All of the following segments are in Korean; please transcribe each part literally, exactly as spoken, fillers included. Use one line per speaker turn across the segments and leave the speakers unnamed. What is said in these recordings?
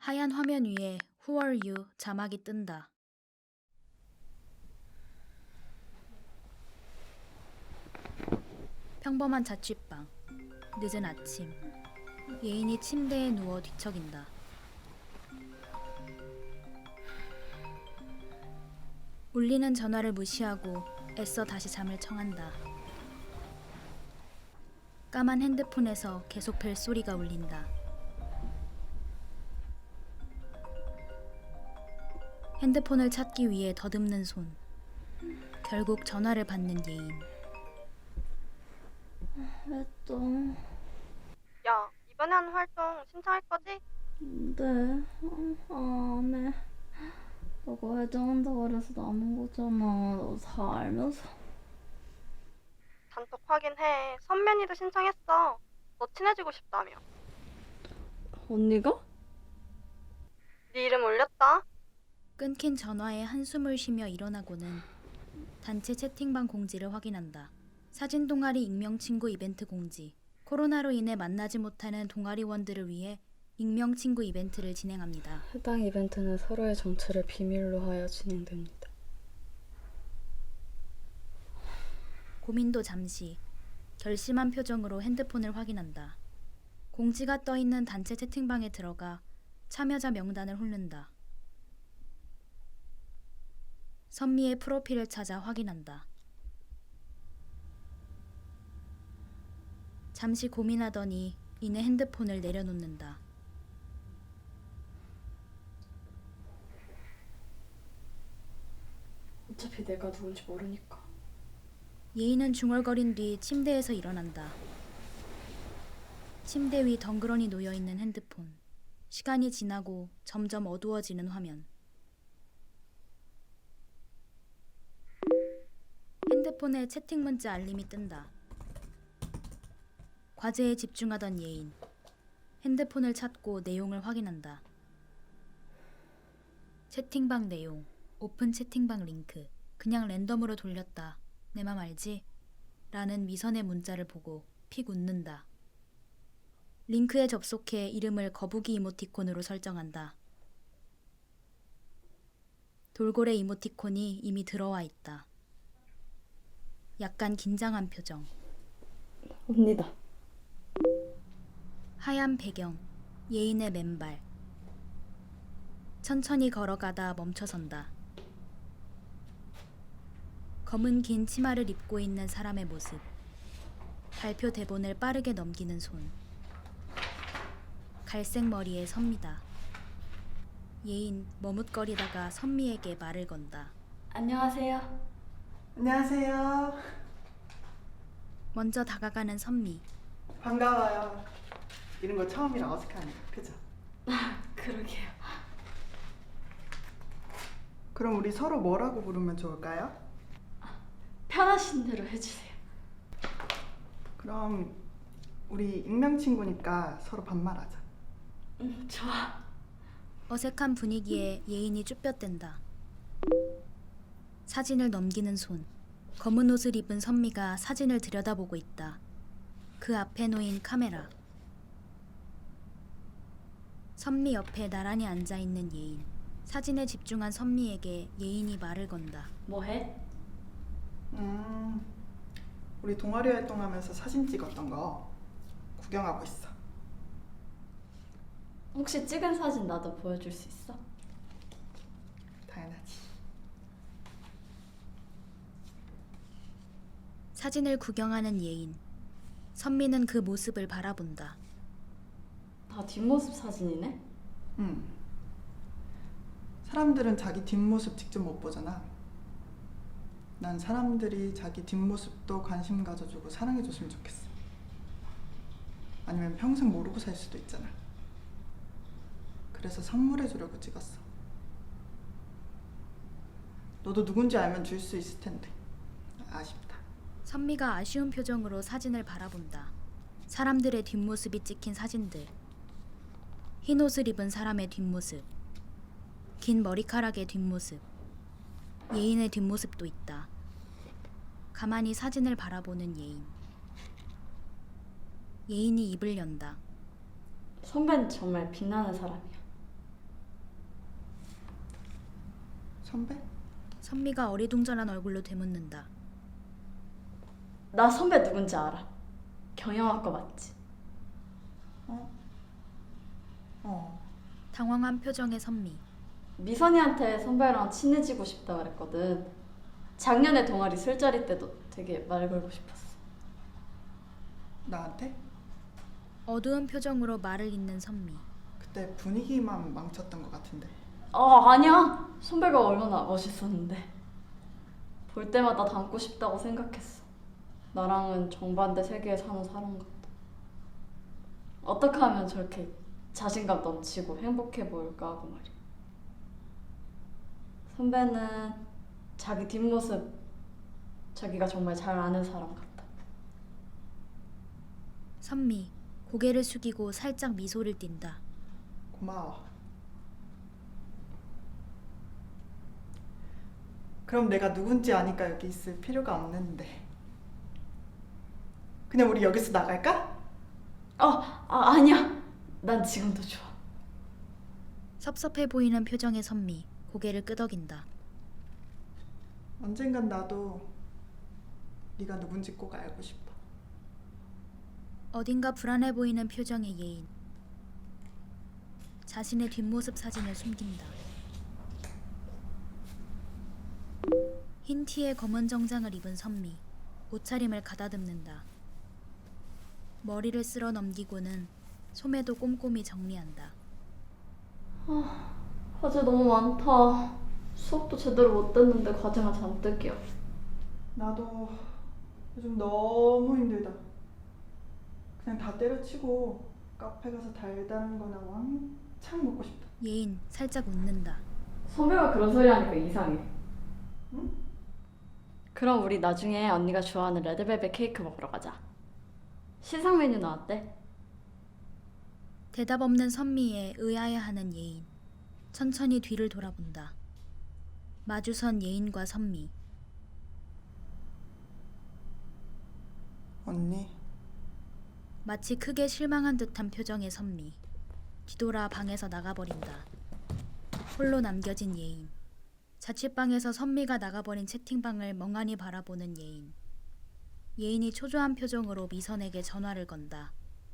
하얀 화면 위에 Who are you? 자막이 뜬다. 평범한 자취방. 늦은 아침. 예인이 침대에 누워 뒤척인다. 울리는 전화를 무시하고 애써 다시 잠을 청한다. 까만 핸드폰에서 계속 벨소리가 울린다. 핸드폰을 찾기 위해 더듬는 손. 결국 전화를 받는 예인.
왜 또?
야, 이번에 하는 활동 신청할 거지?
네, 어, 안 해. 너가 회장한다고 그래서 남은 거잖아. 너 다 알면서.
단톡 확인해. 선면이도 신청했어. 너 친해지고 싶다며.
언니가?
네 이름 올렸다.
끊긴 전화에 한숨을 쉬며 일어나고는 단체 채팅방 공지를 확인한다. 사진 동아리 익명 친구 이벤트 공지. 코로나로 인해 만나지 못하는 동아리원들을 위해 익명 친구 이벤트를 진행합니다.
해당 이벤트는 서로의 정체를 비밀로 하여 진행됩니다.
고민도 잠시. 결심한 표정으로 핸드폰을 확인한다. 공지가 떠있는 단체 채팅방에 들어가 참여자 명단을 훑는다. 선미의 프로필을 찾아 확인한다. 잠시 고민하더니 이내 핸드폰을 내려놓는다.
어차피 내가 누군지 모르니까.
예인은 중얼거린 뒤 침대에서 일어난다. 침대 위 덩그러니 놓여있는 핸드폰. 시간이 지나고 점점 어두워지는 화면. 핸드폰에 채팅 문자 알림이 뜬다. 과제에 집중하던 예인. 핸드폰을 찾고 내용을 확인한다. 채팅방 내용. 오픈 채팅방 링크. 그냥 랜덤으로 돌렸다. 내 맘 알지? 라는 미선의 문자를 보고 픽 웃는다. 링크에 접속해 이름을 거북이 이모티콘으로 설정한다. 돌고래 이모티콘이 이미 들어와 있다. 약간 긴장한 표정.
언니다.
하얀 배경. 예인의 맨발. 천천히 걸어가다 멈춰선다. 검은 긴 치마를 입고 있는 사람의 모습. 발표 대본을 빠르게 넘기는 손. 갈색 머리의 선미다. 예인 머뭇거리다가 선미에게 말을 건다.
안녕하세요.
안녕하세요.
먼저 다가가는 선미.
반가워요. 이런 거 처음이라 어색하네요. 그죠?
그러게요.
그럼 우리 서로 뭐라고 부르면 좋을까요?
편하신 대로 해주세요.
그럼 우리 익명 친구니까 서로 반말하자.
응, 좋아.
어색한 분위기에 예인이 쭈뼛댄다. 사진을 넘기는 손. 검은 옷을 입은 선미가 사진을 들여다보고 있다. 그 앞에 놓인 카메라. 선미 옆에 나란히 앉아있는 예인. 사진에 집중한 선미에게 예인이 말을 건다.
뭐해?
음, 우리 동아리 활동하면서 사진 찍었던 거 구경하고 있어.
혹시 찍은 사진 나도 보여줄 수 있어?
당연하지.
사진을 구경하는 예인. 선미는 그 모습을 바라본다.
다 뒷모습 사진이네?
음. 사람들은 자기 뒷모습 직접 못 보잖아. 난 사람들이 자기 뒷모습도 관심 가져주고 사랑해줬으면 좋겠어. 아니면 평생 모르고 살 수도 있잖아. 그래서 선물해주려고 찍었어. 너도 누군지 알면 줄 수 있을 텐데. 아쉽다.
선미가 아쉬운 표정으로 사진을 바라본다. 사람들의 뒷모습이 찍힌 사진들. 흰 옷을 입은 사람의 뒷모습. 긴 머리카락의 뒷모습. 예인의 뒷모습도 있다. 가만히 사진을 바라보는 예인. 예인이 입을 연다.
선배는 정말 빛나는 사람이야.
선배?
선미가 어리둥절한 얼굴로 되묻는다.
나 선배 누군지 알아. 경영학과 맞지?
어? 어.
당황한 표정의 선미.
미선이한테 선배랑 친해지고 싶다 그랬거든. 작년에 동아리 술자리 때도 되게 말 걸고 싶었어.
나한테?
어두운 표정으로 말을 잇는 선미.
그때 분위기만 망쳤던 것 같은데.
어, 아니야. 선배가 얼마나 멋있었는데. 볼 때마다 닮고 싶다고 생각했어. 나랑은 정반대 세계에 사는 사람 같다. 어떻게 하면 저렇게 자신감 넘치고 행복해 보일까 하고 말이야. 선배는 자기 뒷모습 자기가 정말 잘 아는 사람 같다.
선미 고개를 숙이고 살짝 미소를 띈다.
고마워. 그럼 내가 누군지 아니까 여기 있을 필요가 없는데. 그냥 우리 여기서 나갈까?
어, 아, 아니야. 난 지금도 좋아.
섭섭해 보이는 표정의 선미. 고개를 끄덕인다.
언젠간 나도 네가 누군지 꼭 알고 싶어.
어딘가 불안해 보이는 표정의 예인. 자신의 뒷모습 사진을 숨긴다. 흰 티에 검은 정장을 입은 선미. 옷차림을 가다듬는다. 머리를 쓸어 넘기고는 소매도 꼼꼼히 정리한다.
과제 너무 많다. 수업도 제대로 못 듣는데 과제가 잔뜩이야.
나도 요즘 너무 힘들다. 그냥 다 때려치고 카페 가서 달달한 거나 왕창 먹고 싶다.
예인 살짝 웃는다.
선배가 그런 소리 하니까 이상해.
응?
그럼 우리 나중에 언니가 좋아하는 레드벨벳 케이크 먹으러 가자. 시상 메뉴 나왔대.
대답 없는 선미에 의아해하는 예인. 천천히 뒤를 돌아본다. 마주선 예인과 선미.
언니,
마치 크게 실망한 듯한 표정의 선미. 뒤돌아 방에서 나가버린다. 홀로 남겨진 예인. 자취방에서 선미가 나가버린 채팅방을 멍하니 바라보는 예인. 예인이 초조한 표정으로 미선에게 전화를 건다.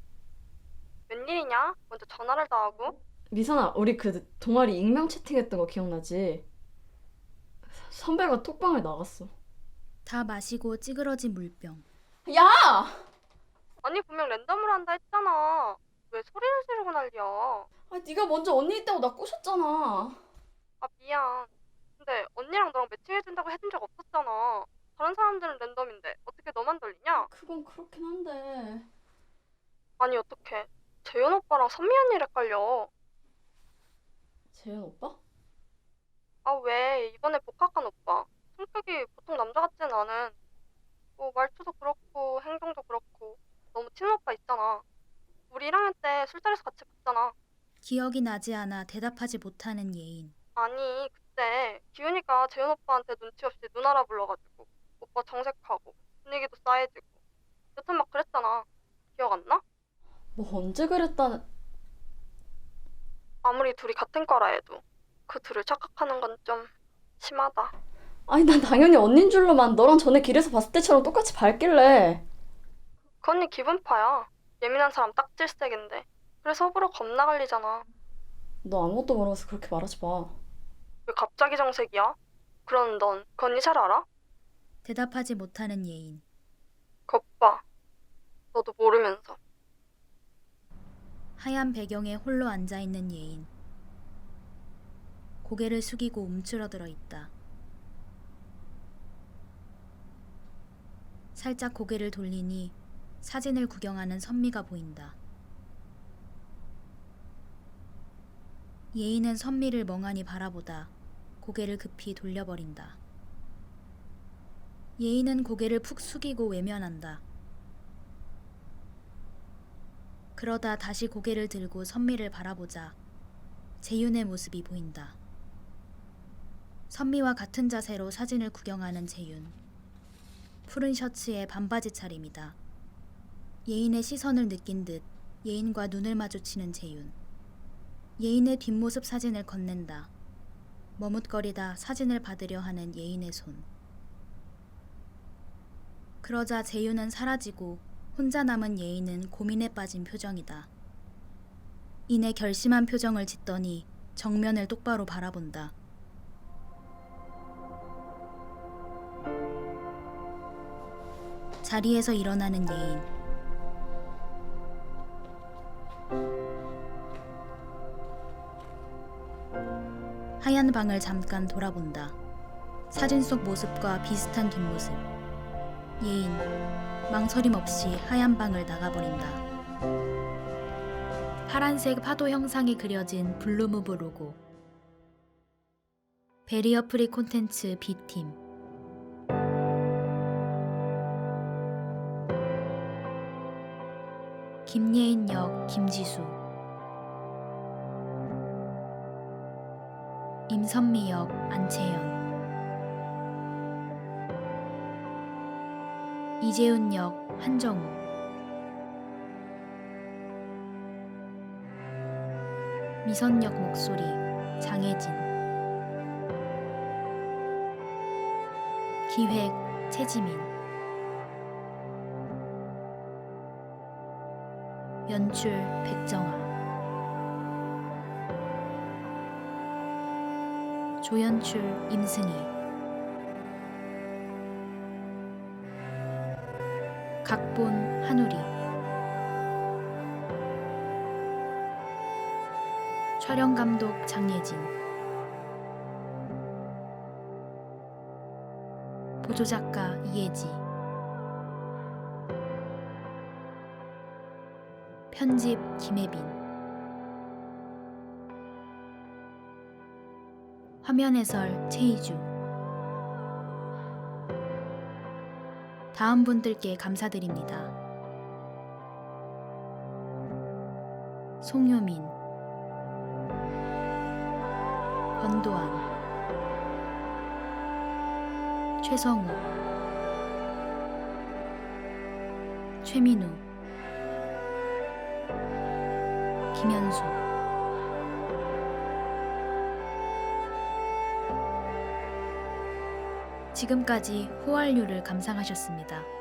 웬일이냐? 먼저 전화를 다 하고.
미선아, 우리 그 동아리 익명 채팅했던 거 기억나지? 선배가 톡방을 나갔어.
다 마시고 찌그러진 물병.
야!
아니 분명 랜덤으로 한다 했잖아. 왜 소리를 지르고 난리야?
아, 네가 먼저 언니 있다고 나 꼬셨잖아.
아 미안. 근데 언니랑 너랑 매칭해준다고 해준 적 없었잖아. 다른 사람들은 랜덤인데 어떻게 너만 돌리냐?
그건 그렇긴 한데.
아니 어떡해. 재현 오빠랑 선미 언니를 헷갈려.
재현 오빠?
아 왜 이번에 복학한 오빠. 성격이 보통 남자 같지는 않은. 뭐 말투도 그렇고 행동도 그렇고 너무 친한 오빠 있잖아. 우리 일 학년 때 술자리에서 같이 봤잖아.
기억이 나지 않아 대답하지 못하는 예인.
아니 그때 기훈이가 재현 오빠한테 눈치 없이 누나라 불러가지고 오빠 정색하고 분위기도 싸해지고 여튼 막 그랬잖아. 기억 안 나?
뭐 언제 그랬다는...
아무리 둘이 같은 과라 해도 그 둘을 착각하는 건 좀 심하다.
아니, 난 당연히 언닌 줄로만 너랑 전에 길에서 봤을 때처럼 똑같이 밝길래.
그 언니 기분파야. 예민한 사람 딱질색인데. 그래서 호불호 겁나 갈리잖아.
너 아무것도 모르면서 그렇게 말하지 마.
왜 갑자기 정색이야? 그러는 넌 그 언니 잘 알아?
대답하지 못하는 예인.
그 오빠 너도 모르면서.
하얀 배경에 홀로 앉아있는 예인. 고개를 숙이고 움츠러들어 있다. 살짝 고개를 돌리니 사진을 구경하는 선미가 보인다. 예인은 선미를 멍하니 바라보다 고개를 급히 돌려버린다. 예인은 고개를 푹 숙이고 외면한다. 그러다 다시 고개를 들고 선미를 바라보자 재윤의 모습이 보인다. 선미와 같은 자세로 사진을 구경하는 재윤. 푸른 셔츠에 반바지 차림이다. 예인의 시선을 느낀 듯 예인과 눈을 마주치는 재윤. 예인의 뒷모습 사진을 건넨다. 머뭇거리다 사진을 받으려 하는 예인의 손. 그러자 재유는 사라지고 혼자 남은 예인은 고민에 빠진 표정이다. 이내 결심한 표정을 짓더니 정면을 똑바로 바라본다. 자리에서 일어나는 예인. 하얀 방을 잠깐 돌아본다. 사진 속 모습과 비슷한 뒷모습. 예인, 망설임 없이 하얀 방을 나가버린다. 파란색 파도 형상이 그려진 블루무브 로고. 베리어 프리 콘텐츠 B팀. 김예인 역 김지수. 임선미 역 안채연. 이재훈 역 한정우. 미선 역 목소리 장혜진. 기획 최지민. 연출 백정아. 조연출 임승희. 각본 한우리. 촬영감독 장예진. 보조작가 이혜지. 편집 김혜빈. 화면 해설 최희주. 다음 분들께 감사드립니다. 송효민, 권도안, 최성우, 최민우, 김현수. 지금까지 호알류를 감상하셨습니다.